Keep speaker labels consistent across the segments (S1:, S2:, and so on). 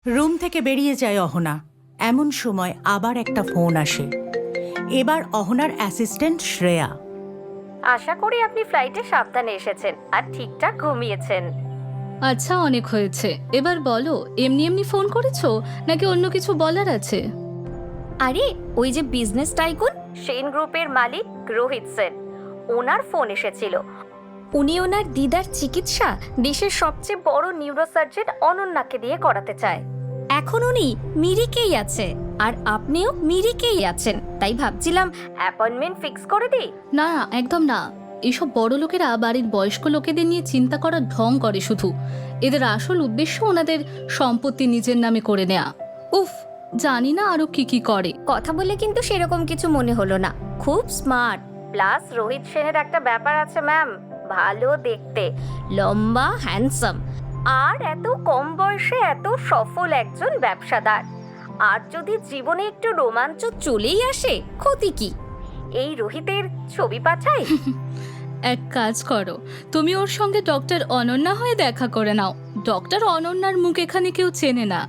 S1: Room থেকে বেরিয়ে যায় অহনা। এমন সময় আবার একটা ফোন আসে। এবার অহনার অ্যাসিস্ট্যান্ট শ্রেয়া।
S2: আশা করি আপনি ফ্লাইটে সাবধানে এসেছেন আর ঠিকঠাক ঘুমিয়েছেন।
S3: আচ্ছা, অনেক হয়েছে। এবার বলো, এমনি এমনি ফোন করেছো নাকি অন্য কিছু বলার আছে?
S2: আরে ওই যে বিজনেস টাইকুন সেন গ্রুপের মালিক রোহিত সেন, ওনার ফোন এসেছিল। উনি ওনার দিদার চিকিৎসা দেশের সবচেয়ে বড় নিউরোসার্জন অনন্যাকে দিয়ে করাতে চায়। এখন উনি মিরিকেই আছে আর আপনিও মিরিকেই আছেন, তাই ভাবছিলাম অ্যাপয়েন্টমেন্ট ফিক্স করে দিই।
S3: না, একদম না। এইসব বড় লোকেরা বাড়ির বয়স্ক লোকেদের নিয়ে চিন্তা করার ঢং করে শুধু। এদের আসল উদ্দেশ্য ওনাদের সম্পত্তি নিজের নামে করে নেয়া। উফ, জানি না আরো কি কি করে।
S2: কথা বলে কিন্তু সেরকম কিছু মনে হলো না, খুব স্মার্ট। প্লাস রোহিত সেনের একটা ব্যাপার আছে ম্যাম, ভালো দেখতে, লম্বা, হ্যান্ডসাম, আর এত কম বয়সে এত সফল একজন ব্যবসাদার। আর যদি জীবনে একটু রোমাঞ্চ চলেই আসে, ক্ষতি কি? এই রোহিতের ছবি পাঠাই।
S3: এক কাজ করো, তুমি ওর সঙ্গে ডক্টর অনন্যা হয়ে দেখা করে নাও। ডক্টর অনন্যার মুখ এখানে কেউ চেনে না।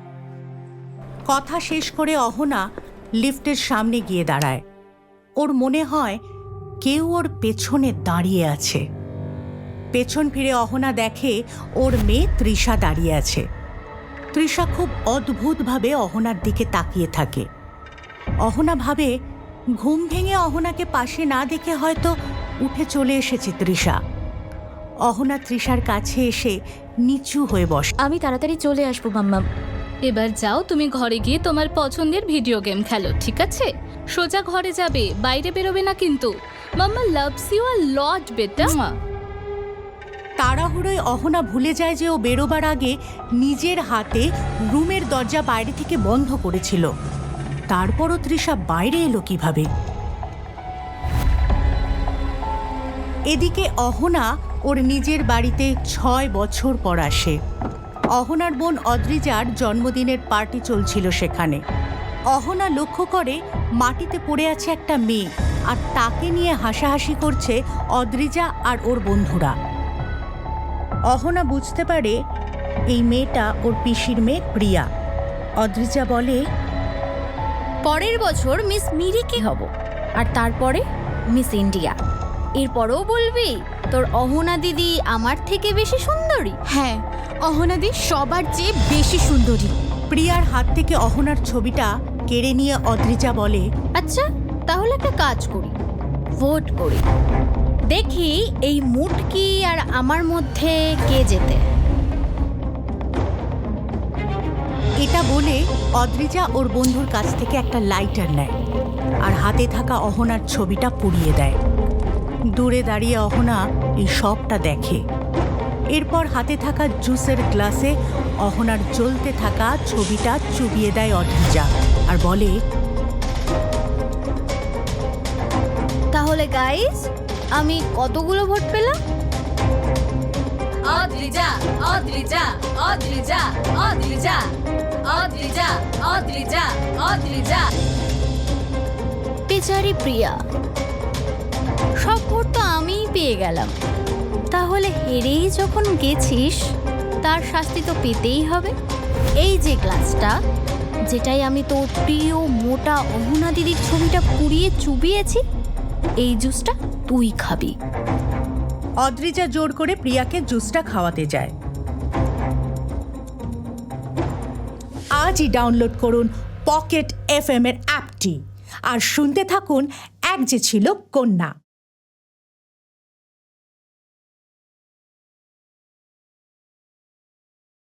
S1: কথা শেষ করে অহনা লিফটের সামনে গিয়ে দাঁড়ায়। ওর মনে হয় কেউ ওর পেছনে দাঁড়িয়ে আছে। পেছন ফিরে অহনা দেখে ওর মেয়ে তৃষা দাঁড়িয়ে আছে। তৃষা খুব অদ্ভুতভাবে অহনার দিকে তাকিয়ে থাকে। অহনা ভাবে ঘুম ভেঙে অহনাকে পাশে না দেখে হয়তো উঠে চলে এসেছে তৃষা। অহনা তৃষার কাছে এসে নিচু হয়ে বসে।
S2: আমি তাড়াতাড়ি চলে আসবো মাম্মাম।
S3: এবার যাও, তুমি ঘরে গিয়ে তোমার পছন্দের ভিডিও গেম খেলো, ঠিক আছে? সোজা ঘরে যাবে, বাইরে বেরোবে না কিন্তু। মাম্মা লাভস ইউ আ লট বেটা।
S1: তাড়াহুড়োয় অহনা ভুলে যায় যে ও বেরোবার আগে নিজের হাতে রুমের দরজা বাইরে থেকে বন্ধ করেছিল। তারপরও তৃষা বাইরে এলো কিভাবে? এদিকে অহনা ওর নিজের বাড়িতে 6 বছর পর আসে। অহনার বোন অদ্রিজার জন্মদিনের পার্টি চলছিল সেখানে। অহনা লক্ষ্য করে মাটিতে পড়ে আছে একটা মেয়ে, আর তাকে নিয়ে হাসাহাসি করছে অদ্রিজা আর ওর বন্ধুরা। অহনা বুঝতে পারে এই মেয়েটা ওর পিসির মেয়ে প্রিয়া। অদ্রিজা বলে,
S2: পরের বছর মিস মিরিকে হব, আর তারপরে মিস ইন্ডিয়া। এরপরেও বলবি তোর অহনা দিদি আমার থেকে বেশি সুন্দরী?
S4: হ্যাঁ, অহনাদি সবার চেয়ে বেশি সুন্দরী।
S1: প্রিয়ার হাত থেকে অহনার ছবিটা কেড়ে নিয়ে অদ্রিজা বলে,
S2: আচ্ছা, তাহলে একটা কাজ করি, ভোট করি, দেখি এই মুটকি আর আমার মধ্যে কে জেতে।
S1: এটা বলে অদ্রিজা ওর বন্ধুর কাছ থেকে একটা লাইটার নেয় আর হাতে থাকা অহনার ছবিটা পুড়িয়ে দেয়। দূরে দাঁড়িয়ে অহনা এই সবটা দেখে। এরপর হাতে থাকা জুসের গ্লাসে অহনার জ্বলতে থাকা ছবিটা চুবিয়ে দেয় অদ্রিজা আর বলে,
S2: তাহলে গাইস, আমি কতগুলো ভোট পেলাম?
S4: অদ্রিজা, অদ্রিজা, অদ্রিজা, অদ্রিজা, অদ্রিজা, অদ্রিজা, অদ্রিজা।
S2: বেচারি প্রিয়া, সব ভোট তো আমিই পেয়ে গেলাম। তাহলে হেরেই যখন গেছিস, তার শাস্তি তো পেতেই হবে। এই যে গ্লাসটা, যেটাই আমি তোর প্রিয় মোটা অহনা দিদির ছবিটা পুড়িয়ে চুবিয়েছি, এই জুসটা তুই খাবি।
S1: অদ্রিজা জোর করে প্রিয়াকে জুসটা খাওয়াতে যায়। আজই ডাউনলোড করুন পকেট FM এর অ্যাপটি আর শুনতে থাকুন এক যে ছিল কন্যা।